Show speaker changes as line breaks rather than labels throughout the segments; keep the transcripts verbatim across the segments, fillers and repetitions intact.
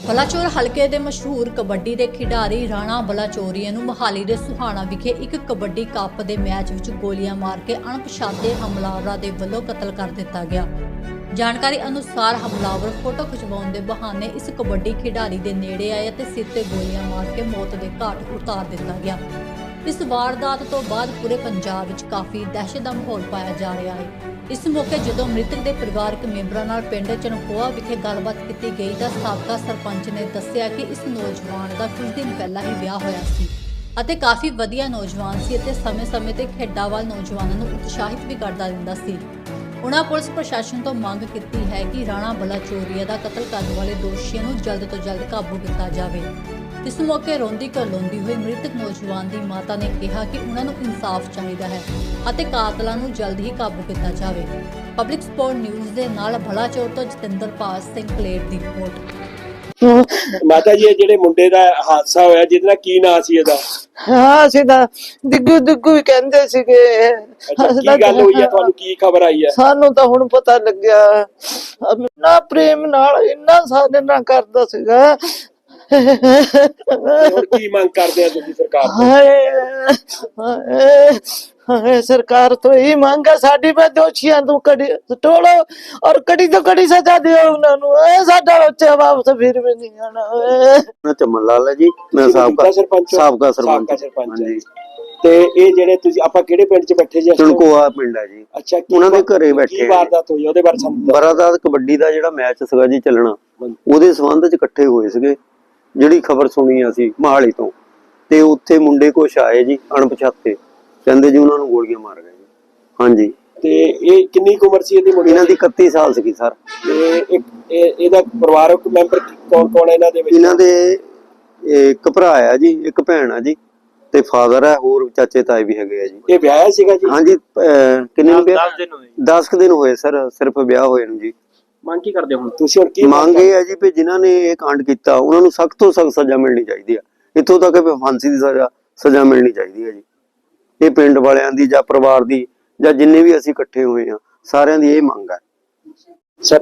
ਬਲਾਚੌਰ ਹਲਕੇ ਦੇ ਮਸ਼ਹੂਰ ਕਬੱਡੀ ਦੇ ਖਿਡਾਰੀ ਰਾਣਾ ਬਲਾਚੌਰੀਆ ਨੂੰ ਮੁਹਾਲੀ ਦੇ ਸੁਹਾਣਾ ਵਿਖੇ ਇੱਕ ਕਬੱਡੀ ਕੱਪ ਦੇ ਮੈਚ ਵਿੱਚ ਗੋਲੀਆਂ ਮਾਰ ਕੇ ਅਣਪਛਾਤੇ ਹਮਲਾਵਰਾਂ ਦੇ ਵੱਲੋਂ ਕਤਲ ਕਰ ਦਿੱਤਾ ਗਿਆ। ਜਾਣਕਾਰੀ ਅਨੁਸਾਰ ਹਮਲਾਵਰ ਫੋਟੋ ਖਿਚਵਾਉਣ ਦੇ ਬਹਾਨੇ ਇਸ ਕਬੱਡੀ ਖਿਡਾਰੀ ਦੇ ਨੇੜੇ ਆਏ ਅਤੇ ਸਿਰ ਤੇ ਗੋਲੀਆਂ ਮਾਰ ਕੇ ਮੌਤ ਦੇ ਘਾਟ ਉਤਾਰ ਦਿੱਤਾ ਗਿਆ। ਇਸ ਵਾਰਦਾਤ ਤੋਂ ਬਾਅਦ ਪੂਰੇ ਪੰਜਾਬ ਵਿੱਚ ਕਾਫੀ ਦਹਿਸ਼ਤ ਦਾ ਮਾਹੌਲ ਪਾਇਆ ਜਾ ਰਿਹਾ ਹੈ। ਇਸ ਮੌਕੇ ਜਦੋਂ ਮ੍ਰਿਤਕ ਦੇ ਪਰਿਵਾਰਕ ਮੈਂਬਰਾਂ ਨਾਲ ਪਿੰਡ ਚਨਕੋਆ ਵਿਖੇ ਗੱਲਬਾਤ ਕੀਤੀ ਗਈ ਤਾਂ ਸਾਬਕਾ ਸਰਪੰਚ ਨੇ ਦੱਸਿਆ ਕਿ ਇਸ ਨੌਜਵਾਨ ਦਾ ਕੁਝ ਦਿਨ ਪਹਿਲਾਂ ਹੀ ਵਿਆਹ ਹੋਇਆ ਸੀ ਅਤੇ ਕਾਫੀ ਵਧੀਆ ਨੌਜਵਾਨ ਸੀ ਅਤੇ ਸਮੇਂ-ਸਮੇਂ ਤੇ ਖੇਡਾਂ ਵੱਲ ਨੌਜਵਾਨਾਂ ਨੂੰ ਉਤਸ਼ਾਹਿਤ ਵੀ ਕਰਦਾ ਰਹਿੰਦਾ ਸੀ। ਉਨ੍ਹਾਂ ਪੁਲਿਸ ਪ੍ਰਸ਼ਾਸਨ ਤੋਂ ਮੰਗ ਕੀਤੀ ਹੈ ਕਿ ਰਾਣਾ ਬਲਾਚੌਰੀਆ ਦਾ ਕਤਲ ਕਰਨ ਵਾਲੇ ਦੋਸ਼ੀਆਂ ਨੂੰ ਜਲਦ ਤੋਂ ਜਲਦ ਕਾਬੂ ਕੀਤਾ ਜਾਵੇ। ਇਸ ਮੌਕੇ ਰੋਂਦੀ ਕਰਲਾਉਂਦੀ ਹੋਈ ਮ੍ਰਿਤਕ ਨੌਜਵਾਨ ਦੀ ਮਾਤਾ ਨੇ ਕਿਹਾ ਕਿ ਉਹਨਾਂ ਨੂੰ ਇਨਸਾਫ ਚਾਹੀਦਾ ਹੈ ਅਤੇ ਕਾਤਲਾਂ ਨੂੰ ਜਲਦ ਹੀ ਕਾਬੂ ਕੀਤਾ ਜਾਵੇ। ਪਬਲਿਕ ਸਪੋਰਟ ਨਿਊਜ਼ ਦੇ ਨਾਲ ਬਲਾਚੌਰ ਤੋਂ ਜਤਿੰਦਰਪਾਲ ਸਿੰਘ ਕਲੇਰ ਦੀ ਰਿਪੋਰਟ।
ਮਾਤਾ ਜੀ, ਜਿਹੜੇ ਮੁੰਡੇ ਦਾ ਹਾਦਸਾ ਹੋਇਆ ਜਿਹਦਾ ਕੀ ਨਾਂ ਸੀ ਇਹਦਾ?
ਹਾਂ ਸਿੱਧਾ ਦਿੱਗੂ ਦਿੱਗੂ ਵੀ ਕਹਿੰਦੇ ਸੀਗੇ।
ਕੀ ਗੱਲ ਹੋਈ ਹੈ, ਤੁਹਾਨੂੰ ਕੀ ਖਬਰ ਆਈ ਹੈ?
ਸਾਨੂੰ ਤਾਂ ਹੁਣ ਪਤਾ ਲੱਗਿਆ। ਨਾ ਪ੍ਰੇਮ ਨਾਲ ਇੰਨਾ ਸਾਡੇ ਨਾਲ ਕਰਦਾ ਸੀਗਾ।
ਹੁਣ ਕੀ ਮੰਗ ਕਰਦੇ ਆ ਤੁਸੀਂ ਸਰਕਾਰ ਤੋਂ?
ਹਾਏ ਹਾਏ ਹਾਏ ਸਰਕਾਰ ਤੋਂ ਇਹ ਮੰਗ ਹੈ ਸਾਡੀ, ਵੀ ਦੋਸ਼ੀਆਂ ਨੂੰ ਕੜੀ ਟੋਲੋ ਔਰ ਕੜੀ ਤੋਂ ਕੜੀ ਸਜ਼ਾ ਦਿਓ ਉਹਨਾਂ ਨੂੰ। ਇਹ ਸਾਡਾ ਬੱਚਾ ਵਾਪਸ ਫਿਰ ਵੀ ਨਹੀਂ ਆਣਾ।
ਮੈਂ ਚਮਨ ਲਾਲ ਹੈ ਜੀ, ਮੈਂ ਸਾਬਕਾ
ਸਰਪੰਚ
ਸਾਬਕਾ ਸਰਪੰਚ
ਸਰਪੰਚ
ਹਾਂਜੀ।
ਤੇ ਇਹ ਜਿਹੜੇ ਤੁਸੀਂ ਆਪਾਂ ਕਿਹੜੇ ਪਿੰਡ ਚ ਬੈਠੇ ਜੀ?
ਚਨਕੋਆ ਪਿੰਡ ਹੈ ਜੀ।
ਅੱਛਾ,
ਉਹਨਾਂ ਦੇ ਘਰੇ ਬੈਠੇ।
ਕੀ ਵਾਰਦਾਤ ਹੋਈ ਉਹਦੇ ਬਾਰੇ ਸਾਨੂੰ?
ਬਰਾਦਾਤ ਕਬੱਡੀ ਦਾ ਜਿਹੜਾ ਮੈਚ ਸੀਗਾ ਜੀ ਚੱਲਣਾ, ਉਹਦੇ ਸੰਬੰਧ ਚ ਇਕੱਠੇ ਹੋਏ ਸੀਗੇ। ਜਿਹੜੀ ਖਬਰ ਸੁਣੀ ਅਸੀਂ ਮਹਾਲੀ ਤੋਂ, ਤੇ ਉੱਥੇ ਮੁੰਡੇ ਕੁਛ ਆਏ ਜੀ ਅਣਪਛਾਤੇ, ਕਹਿੰਦੇ ਜੀ ਉਹਨਾਂ ਨੂੰ ਗੋਲੀਆਂ ਮਾਰ ਗਏ ਜੀ। ਹਾਂਜੀ। ਤੇ
ਇਹ ਕਿੰਨੀ ਕੁ ਉਮਰ ਸੀ ਇਹਦੀ ਮੁੰਡੇ
ਇਹਨਾਂ ਦੀ ਇਕੱਤੀ ਸਾਲ ਸੀਗੀ ਸਰ।
ਤੇ ਇੱਕ ਇਹਦਾ ਪਰਿਵਾਰਕ ਮੈਂਬਰ ਕੌਣ ਕੌਣ ਇਹਨਾਂ ਦੇ ਵਿੱਚ?
ਇਹਨਾਂ ਦੇ ਇੱਕ ਭਰਾ ਆ ਜੀ, ਇੱਕ ਭੈਣ ਆ ਜੀ, ਤੇ ਫਾਦਰ ਹੈ, ਹੋਰ ਚਾਚੇ ਤਾਏ ਵੀ ਹੈਗੇ ਆ ਜੀ।
ਇਹ ਵਿਆਹਿਆ ਸੀਗਾ ਜੀ?
ਹਾਂਜੀ। ਕਿੰਨੇ ਦਿਨ ਹੋਏ? ਦਸ ਕੁ ਦਿਨ ਹੋਏ ਸਰ, ਸਿਰਫ ਵਿਆਹ ਹੋਏ ਨੂੰ ਜੀ।
ਮੰਗ ਕੀ ਕਰਦੇ ਹੋ ਤੁਸੀਂ? ਹੁਣ ਕੀ
ਮੰਗ ਇਹ ਹੈ ਜੀ ਵੀ ਜਿਨ੍ਹਾਂ ਨੇ ਇਹ ਕਾਂਡ ਕੀਤਾ ਉਹਨਾਂ ਨੂੰ ਸਖਤ ਤੋਂ ਸਖਤ ਸਜ਼ਾ ਮਿਲਣੀ ਚਾਹੀਦੀ ਹੈ। ਇੱਥੋਂ ਤੱਕ ਕਿ ਫਾਂਸੀ ਦੀ ਸਜ਼ਾ ਸਜ਼ਾ ਮਿਲਣੀ ਚਾਹੀਦੀ ਹੈ ਜੀ। ਇਹ ਪਿੰਡ ਵਾਲਿਆਂ ਦੀ ਜਾਂ ਪਰਿਵਾਰ ਦੀ ਜਾਂ ਜਿੰਨੇ ਵੀ ਅਸੀਂ ਇਕੱਠੇ ਹੋਏ ਆ, ਸਾਰਿਆਂ ਦੀ ਇਹ ਮੰਗ ਹੈ।
ਸਰ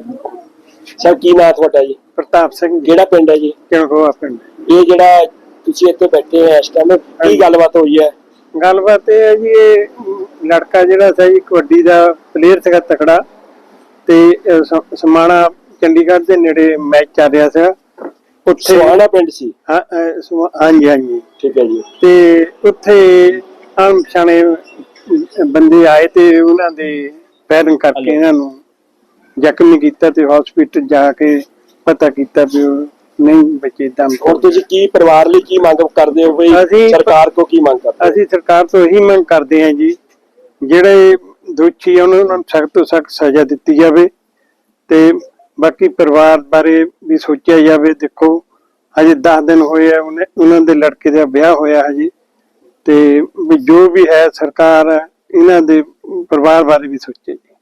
ਸਰ ਕੀ ਨਾਂ ਤੁਹਾਡਾ ਜੀ?
ਪ੍ਰਤਾਪ ਸਿੰਘ।
ਕਿਹੜਾ ਪਿੰਡ ਹੈ ਜੀ?
ਚਨਕੋਆ ਪਿੰਡ।
ਇਹ ਜਿਹੜਾ ਤੁਸੀਂ ਇੱਥੇ ਬੈਠੇ ਹੋ ਇਸ ਟਾਈਮ, ਕੀ ਗੱਲਬਾਤ ਹੋਈ ਹੈ?
ਗੱਲਬਾਤ ਇਹ ਹੈ ਜੀ, ਇਹ ਲੜਕਾ ਜਿਹੜਾ ਸੀ ਜੀ ਕਬੱਡੀ ਦਾ ਪਲੇਅਰ ਸੀਗਾ ਤਕੜਾ, ਤੇ ਸਮਾਣਾ ਚੰਡੀਗੜ੍ਹ ਦੇ ਨੇੜੇ ਮੈਚ ਚੱਲ ਰਿਹਾ ਸੀਗਾ। ਉੱਥੇ
ਸੁਹਾਣਾ ਪਿੰਡ ਸੀ?
ਹਾਂਜੀ ਹਾਂਜੀ
ਠੀਕ ਹੈ ਜੀ।
ਤੇ ਉੱਥੇ ਅਣਪਛਾਣੇ ਬੰਦੇ ਆਏ ਤੇ ਉਹਨਾਂ ਦੇ ਫਾਇਰਿੰਗ ਕਰਕੇ ਇਹਨਾਂ ਨੂੰ ਜ਼ਖਮੀ ਕੀਤਾ ਤੇ ਹਸਪੀਟਲ ਜਾ ਕੇ ਪਤਾ ਕੀਤਾ ਵੀ ਨਹੀਂ ਬਚੇ ਦਮ।
ਹੁਣ ਤੁਸੀਂ ਕੀ ਪਰਿਵਾਰ ਲਈ ਕੀ ਮੰਗ ਕਰਦੇ ਹੋ ਬਈ? ਸਰਕਾਰ ਕੋ ਕੀ ਮੰਗ ਕਰਦੇ?
ਅਸੀਂ ਸਰਕਾਰ ਤੋਂ ਇਹੀ ਮੰਗ ਕਰਦੇ ਹਾਂ ਜੀ, ਜਿਹੜੇ ਦੋਸ਼ੀ ਆ ਉਹਨਾਂ ਨੂੰ ਸਖਤ ਤੋਂ ਸਖਤ ਸਜ਼ਾ ਦਿੱਤੀ ਜਾਵੇ ਤੇ ਬਾਕੀ ਪਰਿਵਾਰ ਬਾਰੇ ਵੀ ਸੋਚਿਆ ਜਾਵੇ। ਦੇਖੋ ਹਜੇ ਦਸ ਦਿਨ ਹੋਏ ਆ ਉਹਨਾਂ ਦੇ ਲੜਕੇ ਦਾ ਵਿਆਹ ਹੋਇਆ ਹਜੇ, ਤੇ ਜੋ ਵੀ ਹੈ ਸਰਕਾਰ ਇਹਨਾਂ ਦੇ ਪਰਿਵਾਰ ਬਾਰੇ ਵੀ ਸੋਚੇ ਜੀ।